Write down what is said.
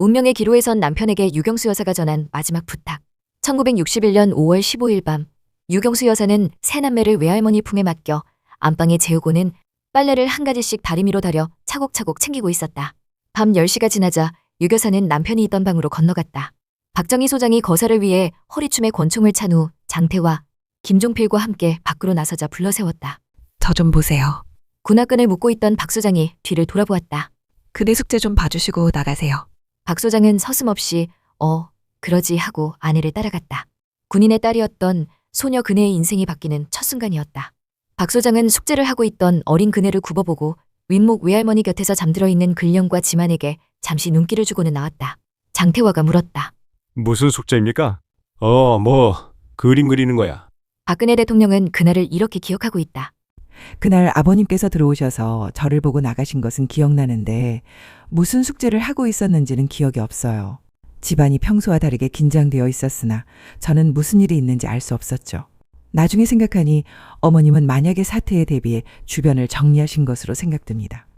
운명의 기로에 선 남편에게 유경수 여사가 전한 마지막 부탁. 1961년 5월 15일 밤, 유경수 여사는 새 남매를 외할머니 품에 맡겨 안방에 재우고는 빨래를 한 가지씩 다리미로 다려 차곡차곡 챙기고 있었다. 밤 10시가 지나자 유 여사는 남편이 있던 방으로 건너갔다. 박정희 소장이 거사를 위해 허리춤에 권총을 찬 후 장태와 김종필과 함께 밖으로 나서자 불러세웠다. 저 좀 보세요. 군화끈을 묶고 있던 박 소장이 뒤를 돌아보았다. 그대 숙제 좀 봐주시고 나가세요. 박 소장은 서슴없이 그러지 하고 아내를 따라갔다. 군인의 딸이었던 소녀 그네의 인생이 바뀌는 첫 순간이었다. 박 소장은 숙제를 하고 있던 어린 그네를 굽어보고 윗목 외할머니 곁에서 잠들어 있는 근령과 지만에게 잠시 눈길을 주고는 나왔다. 장태화가 물었다. 무슨 숙제입니까? 그림 그리는 거야. 박근혜 대통령은 그날을 이렇게 기억하고 있다. 그날 아버님께서 들어오셔서 저를 보고 나가신 것은 기억나는데 무슨 숙제를 하고 있었는지는 기억이 없어요. 집안이 평소와 다르게 긴장되어 있었으나 저는 무슨 일이 있는지 알 수 없었죠. 나중에 생각하니 어머님은 만약의 사태에 대비해 주변을 정리하신 것으로 생각됩니다.